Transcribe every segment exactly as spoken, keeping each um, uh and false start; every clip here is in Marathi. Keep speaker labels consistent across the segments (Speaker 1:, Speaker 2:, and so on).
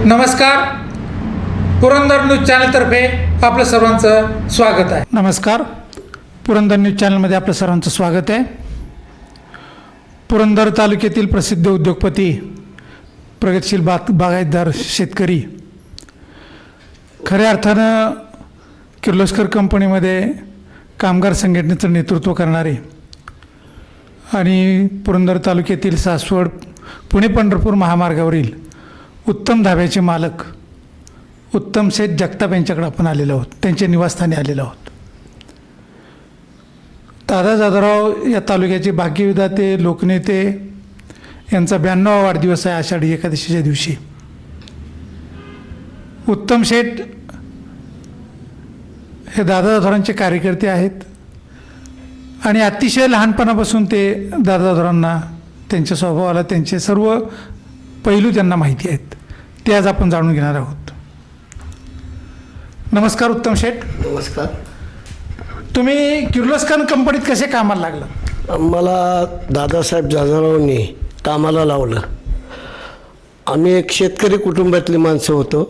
Speaker 1: नमस्कार, पुरंदर न्यूज चॅनलतर्फे आपलं सर्वांचं स्वागत आहे.
Speaker 2: नमस्कार, पुरंदर न्यूज चॅनलमध्ये आपलं सर्वांचं स्वागत आहे. पुरंदर तालुक्यातील प्रसिद्ध उद्योगपती, प्रगतशील बाग बागायतदार शेतकरी, खऱ्या अर्थानं किर्लोस्कर कंपनीमध्ये कामगार संघटनेचं नेतृत्व करणारे आणि पुरंदर तालुक्यातील सासवड पुणे पंढरपूर महामार्गावरील उत्तम धाब्याचे मालक उत्तम शेठ जगताप यांच्याकडे आपण आलेलो आहोत. त्यांच्या निवासस्थानी आलेलो आहोत. दादा जाधवराव या तालुक्याचे भाग्यविधाते, लोकनेते यांचा ब्याण्णवा वाढदिवस आहे आषाढी एकादशीच्या दिवशी. उत्तम शेठ हे दादा जाधवरांचे कार्यकर्ते आहेत आणि अतिशय लहानपणापासून ते दादा जाधवरांना, त्यांच्या स्वभावाला, त्यांचे सर्व पैलू त्यांना माहिती आहेत. ते आज आपण जाणून घेणार आहोत. नमस्कार उत्तम शेठ.
Speaker 3: नमस्कार.
Speaker 2: तुम्ही किर्लोस्कर कंपनीत कसे कामाला लागला?
Speaker 3: मला दादासाहेब जाधवरावांनी कामाला लावलं. आम्ही एक शेतकरी कुटुंबातली माणसं होतो.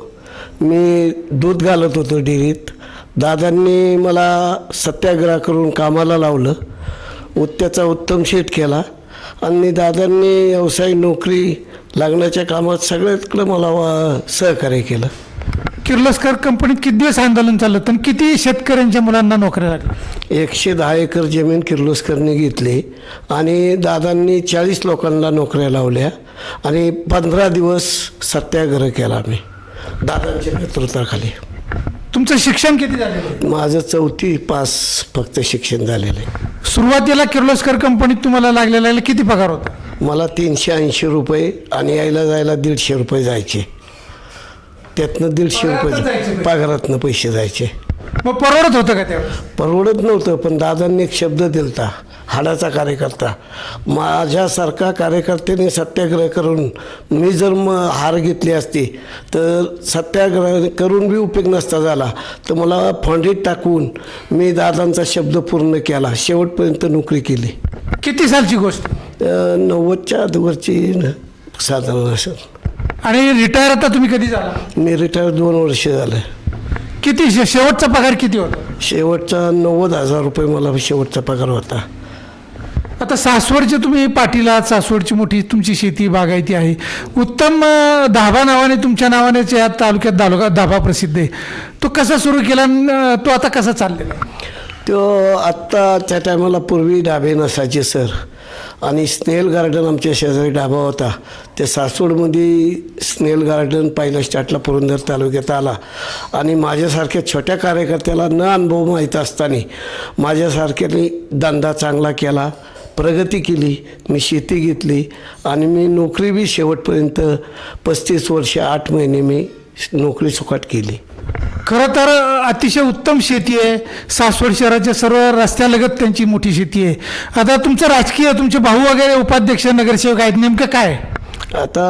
Speaker 3: मी दूध घालत होतो डेअरीत. दादांनी मला सत्याग्रह करून कामाला लावलं. त्याचा उत्तम शेठ केला आणि दादांनी व्यवसाय, नोकरी लागण्याच्या कामात सगळ्याकडं मला सहकार्य केलं.
Speaker 2: किर्लोस्कर कंपनीत किती दिवस आंदोलन चाललं आणि किती शेतकऱ्यांच्या मुलांना नोकऱ्या लागल्या?
Speaker 3: एकशे दहा एकर जमीन किर्लोस्करने घेतली आणि दादांनी चाळीस लोकांना नोकऱ्या लावल्या आणि पंधरा दिवस सत्याग्रह केला आम्ही दादांच्या नेतृत्वाखाली.
Speaker 2: तुमचं शिक्षण किती झालेलं?
Speaker 3: माझं चौथी पास फक्त शिक्षण झालेलं आहे.
Speaker 2: सुरुवातीला किर्लोस्कर कंपनीत तुम्हाला लागलेला किती पगार होता?
Speaker 3: मला तीनशे ऐंशी रुपये आणि यायला जायला दीडशे रुपये जायचे. त्यातनं दीडशे रुपये पगारातनं पैसे जायचे.
Speaker 2: मग परवडत होतं का तेव्हा?
Speaker 3: परवडत नव्हतं, पण दादांनी एक शब्द दिलता, हाडाचा कार्यकर्ता. माझ्यासारखा कार्यकर्त्याने सत्याग्रह करून मी जर मग हार घेतली असती तर सत्याग्रह करून बी उपयोग नसता झाला, तर मला फंडीत टाकून मी दादांचा शब्द पूर्ण केला. शेवटपर्यंत नोकरी केली.
Speaker 2: किती सालची गोष्ट?
Speaker 3: नव्वदच्या अगोदरची साधारण असेल.
Speaker 2: आणि रिटायर आता तुम्ही कधी झाला?
Speaker 3: मी रिटायर दोन वर्ष झालं.
Speaker 2: किती शे शेवटचा पगार किती होता?
Speaker 3: शेवटचा नव्वद हजार रुपये मला शेवटचा पगार होता.
Speaker 2: आता सासवडचे तुम्ही पाटील आहात. सासवडची मोठी तुमची शेती बागायती आहे. उत्तम अं, धाबा नावाने, तुमच्या नावानेच या तालुक्यात दालुका धाबा प्रसिद्ध आहे. तो कसा सुरू केला आणि तो आता कसा चाललेला?
Speaker 3: तो आत्ता त्या टायमाला पूर्वी डाबे नसायचे सर, आणि स्नेल गार्डन आमच्या शेजारी डाबा होता. ते सासवडमध्ये स्नेल गार्डन पहिल्या स्टार्टला पुरंदर तालुक्यात आला आणि माझ्यासारख्या छोट्या कार्यकर्त्याला न अनुभव माहीत असताना माझ्यासारख्याने धंदा चांगला केला, प्रगती केली. मी शेती घेतली आणि मी नोकरी बी शेवटपर्यंत पस्तीस वर्ष आठ महिने मी नोकरी सुखाट केली.
Speaker 2: खरं तर अतिशय उत्तम शेती आहे. सासवड शहराच्या सर्व रस्त्यालगत त्यांची मोठी शेती आहे. आता तुमचं राजकीय, तुमचे भाऊ वगैरे उपाध्यक्ष, नगरसेवक आहेत, नेमकं काय?
Speaker 3: आता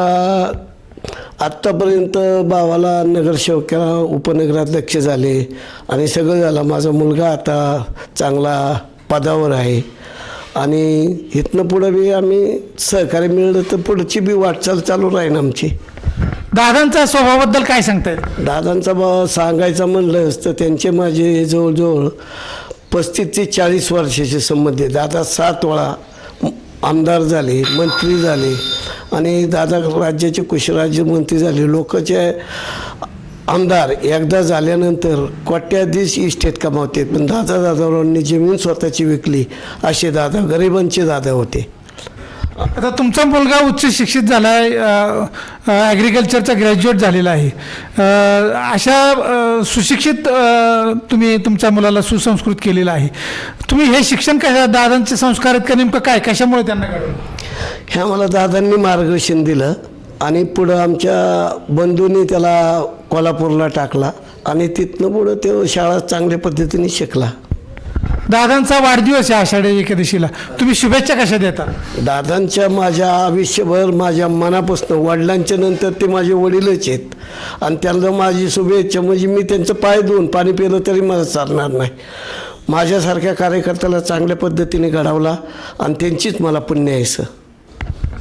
Speaker 3: आत्तापर्यंत भावाला नगरसेवकाला उपनगराध्यक्ष झाले आणि सगळं झालं. माझा मुलगा आता चांगला पदावर आहे आणि इथनं पुढं बी आम्ही सहकार्य मिळलं तर पुढची बी वाटचाल चालू राहील आमची.
Speaker 2: दादांच्या स्वभावाबद्दल काय सांगता येईल?
Speaker 3: दादांचा बा सांगायचं म्हणलंच तर त्यांचे माझे जवळजवळ पस्तीस ते चाळीस वर्षाचे संबंध आहे. दादा सात वेळा आमदार झाले, मंत्री झाले आणि दादा राज्याचे कृषीराज्यमंत्री झाले. लोकांचे आमदार एकदा झाल्यानंतर कोट्याधीश इस्टेट कमावते, पण दादा जाधवरावांनी जमीन स्वतःची विकली असे दादा गरिबांचे दादा होते.
Speaker 2: आता तुमचा मुलगा उच्च शिक्षित झाला आहे, ॲग्रिकल्चरचा ग्रॅज्युएट झालेला आहे. अशा अ, सुशिक्षित अ, तुम्ही तुमच्या मुलाला सुसंस्कृत केलेलं आहे. तुम्ही हे शिक्षण कशा, दादांचे संस्कार आहेत का नेमकं काय, कशामुळे त्यांना घडवलं?
Speaker 3: ह्या मला दादांनी मार्गदर्शन दिलं आणि पुढं आमच्या बंधूंनी त्याला कोल्हापूरला टाकला आणि तिथनं पुढं तो शाळा चांगल्या पद्धतीने शिकला.
Speaker 2: दादांचा वाढदिवस आहे आषाढी एकादशीला, तुम्ही शुभेच्छा कशा देता?
Speaker 3: दादांच्या माझ्या आयुष्यभर माझ्या मनापासून, वडिलांच्या नंतर ते माझे वडीलच आहेत आणि त्यांना माझी शुभेच्छा म्हणजे मी त्यांचं पाय धुवून पाणी पिलं तरी मला चालणार नाही. माझ्यासारख्या कार्यकर्त्याला चांगल्या पद्धतीने घडवला आणि त्यांचीच मला पुण्य आहे सर.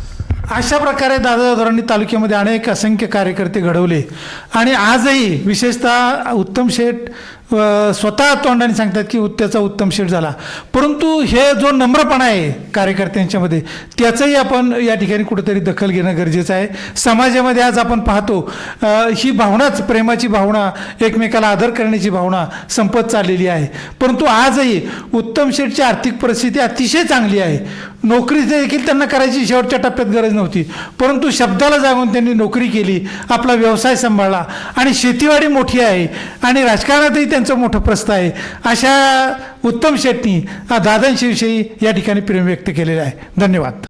Speaker 2: अशा प्रकारे दादादावरांनी तालुक्यामध्ये अनेक असंख्य कार्यकर्ते घडवले आणि आजही विशेषतः उत्तम शेठ अ, स्वतः तोंडाने सांगतात की त्याचा उत्तम शेठ झाला, परंतु हे जो नम्रपणा आहे कार्यकर्त्यांच्यामध्ये त्याचंही आपण या ठिकाणी कुठेतरी दखल घेणं गरजेचं आहे. समाजामध्ये आज आपण पाहतो अ, ही भावनाच, प्रेमाची भावना, एकमेकाला आदर करण्याची भावना संपत चाललेली आहे. परंतु आजही उत्तम शेठची आर्थिक परिस्थिती अतिशय चांगली आहे. नोकरी देखील त्यांना करायची शेवटच्या टप्प्यात गरज नव्हती, परंतु शब्दाला जागून त्यांनी नोकरी केली, आपला व्यवसाय सांभाळला आणि शेतीवाडी मोठी आहे आणि राजकारणातही त्यांचं मोठं प्रस्थ आहे. अशा उत्तम शेट्टी दादांविषयी या ठिकाणी प्रेम व्यक्त केलेलं आहे. धन्यवाद.